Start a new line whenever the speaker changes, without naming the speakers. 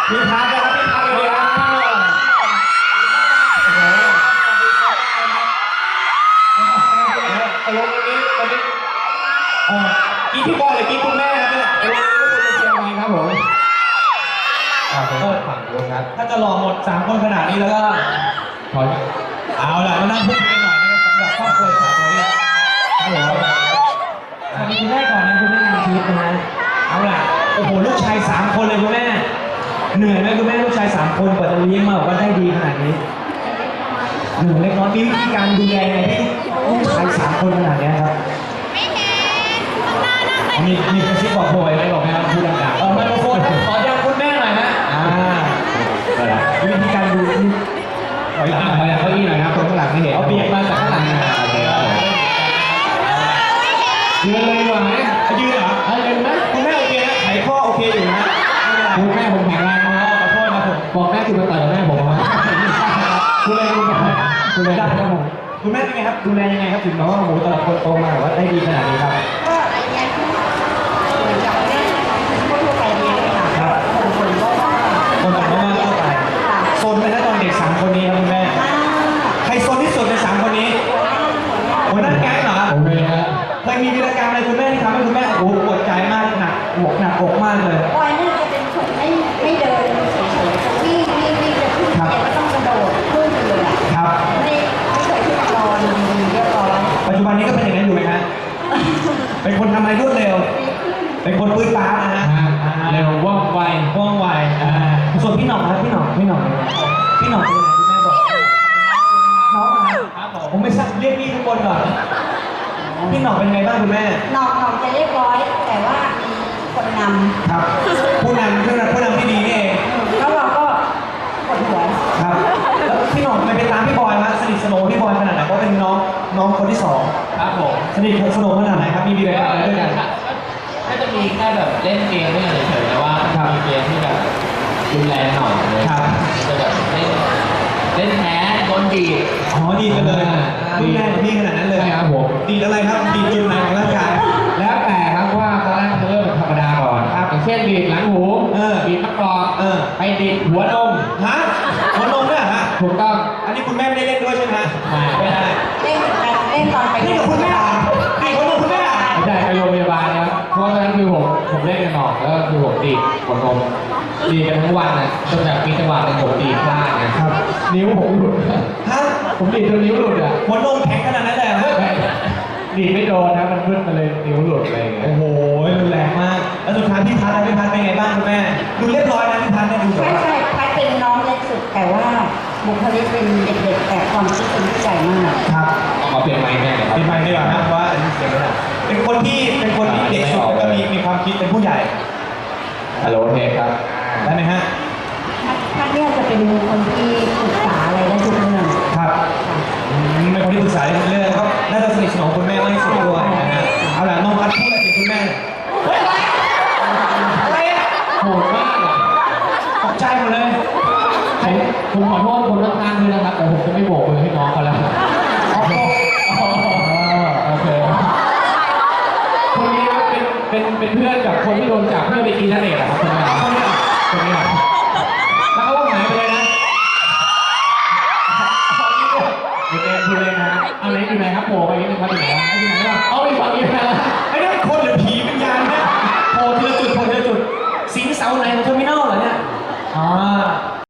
พี่พักนะครับพี่พักเลยครับตกลงวันนี้กินพี่บอยหรือกินคุณแม่ครับเนี่ยวันนี้คุณจะเชียร์ไงครับผมฝั่งนู้นครับถ้าจะหล่อหมด3คนขนาดนี้แล้วก็ขอเอาล่ะมานั่งพูดกันหน่อยนะครับสำหรับครอบครัวสาวน้อยครับผมมีคุณแม่ก่อนนะคุณแม่มีชีวิตนะฮะเอาล่ะโอ้โหลูกชาย3คนเลยคุณแม่เหนื่อยไหมคุณแม่ลูกชาย3คนกว่าจะเลี้ยงมาบอกว่าได้ดีขนาดนี้หนึ่งเล็กน้อยมีวิธีการดูแลไงให้ลูกชาย3คนขนาดนี้ครับมีกระซิบบอกโบยไหมบอกไหมครับพูดดังๆไมโครโฟนขอยังคุณแม่หน่อยนะวิธีการดูขอยังเก้าอี้หน่อยครับคนข้างหลังไม่เห็นเอาเบียดมาจากข้างหลังยืนเลยดีกว่าไหมยืนเหรอยืนนะคุณแม่โอเคนะไขข้อโอเคอยู่นะคุณแม่ผมแข็งแรงนะขอโทษนะผมบอกแม่คุณมาต่อยกับแม่ผมนะคุณเลยได้ครับผมคุณแม่เป็นไงครับดูแลยังไงครับถึงน้องว่าโอ้โหแต่ละคนโตมาว่าได้ดีขนาดนี้ครับคนต่างก็มากเข้าไปโซนไปแล้วตอนเด็ก3คนนี้ครับคุณแม่ใครโซนที่สุดใน3คนนี้หัวหน้าแก๊งเหรอผมเลยฮะเคยมีวีรกรรมอะไรคุณแม่ที่ทำให้คุณแม่โอ้โหปวดใจมากหนักอกมากเลย
บอยนี่จะเป็นคนไม่เดินเฉยๆวิ่งจะขึ้นเตียงก็ต้องกระโดดขึ้นเลยครับไม่เคยขึ้นรอดีเรียบร้อย
ปัจจุบันนี้ก็เป็นอย่างนั้นอยู่ไหมฮะเป็นคนทำอะไรรวดเร็วเป็นคนปื้นป้านะฮะเร็วว่องไวส่วนพี่หน่องครับพี่หน่องเป็นยังไงคุณแม่บอกน้องครับผมไม่ทราบเรียกพี่ทุกคนก่อนพี่หน่องเป็นไงบ้างคุณแม่
หน่องจะเรียบร้อยแต่ว่ามีคนนำ
ครับผู้นำที่ดีนี่เอง
แล้วเราก็ปวดหัว
ครับแล้วพี่หน่องไม่ไปตามพี่บอยมาสนิทสนมพี่บอยขนาดไหนเพราะเป็นน้องคนที่2ครับผมสนิทสนมขนาดไหนครับมีอะไรด้วยกัน
ถ้าจะมีแค่แบบเล่นเกมด้วยกันเฉยๆแต่ว่ามีเกมที่แบบรุนแรงหน่อยเลยจะแบบเล่นแพ้โดนดีด
ดีกันเลยดีแรงพี่ขนาดนั้นเลย
ครับผม
ดีอะไรครับดีจุดไหนของร่างกาย
แล้วแต่ครับว่าตอนแรกจะเริ่มแบบธรรมดาก่อนครับอย่างเช่นดีดหลังหูดีดมะกอกไปดีดหัวนม
หัวนมเนี่ยฮะ
ถูกต้อง
อันนี้คุณแม่ไม่ได้เล่นด้วยใช่ไหม
ไม่ได้
เล่นตอนไป
นี่กับคุณแม่ดีหัวนมคุณแม่
ไม่ได้ไปโรงพยาบาลนะครับเพราะฉะนั้นคือผมเล่นกันหนอกแล้วคือผมดีดหัวนมดีกันทั้งวันนะจนแบบมีจังหวะหนึ่งผมดีพลาดนะครับนิ้วผมหลุดผมดีจนนิ้วหลุดอ่ะ
หัวนมแข็งขนาดนั้นเลย
ดีไม่โดนนะมันพึ่งมาเลยนิ้วหลุดอะไรอย่างเงี้ย
โอ้โหรุนแรงมากแล้วสุดท้ายพี่พัดเป็นไงบ้างคุณแม่ดูเรียบร้อยนะพี่พัดเนี่ยดู
ใช่พัดเป็นน้องเล็กสุดแต่ว่าบุคลิกเป็นเด็กๆแต่ความคิดเป็นผู้ใหญ่มาก
ครับ
เอาเปลี่ยนไมค์แม่
เปลี่ยนไมค์ดีกว่านะเพราะว่าอันนี้เสียงไม่ได้เป็นคนที่เด็กสุดแล้วก็มีความคิดเป็นผู้ใหญ่
ฮัลโหลเทครับ
ได้ไหมฮะ
พัดเนี่ยจะเป็นคนที่ปรึกษาอะไรได้ทุกเรื่อง
ครับเป็นคนที่ปรึกษาได้ทุกเรื่องก็น่าจะสนิทสนมคุณแม่มากที่สุดด้วยนะฮะเอาล่ะน้องพัดพูดอะไรถึงคุณแม่อะไร
โหดมาก
ตกใจหมดเลย
ผมขอโทษคนข้างๆด้วยนะครับแต่ผมจะไม่โบกมือให้น้องเขาแล้วโอเคคนนี้เป็นเพื่อนกับคนที่โดนจับเพื่อไปกินนั่นเองครับคนนี้แล้วเขาหายไปเลยนะดูเลยนะเอาไหนอยู่ไหนครับโผล่ไปนิดนึงครับอยู่ไหนอยู่ไหนล่ะเอาไปฝั่งนี้นะ
ไอ้นี่คนหรือผีวิญญาณเนี่ยโผล่ทีละจุดสิงเสาไหนของเทอร์มินอลเหรอเนี่ย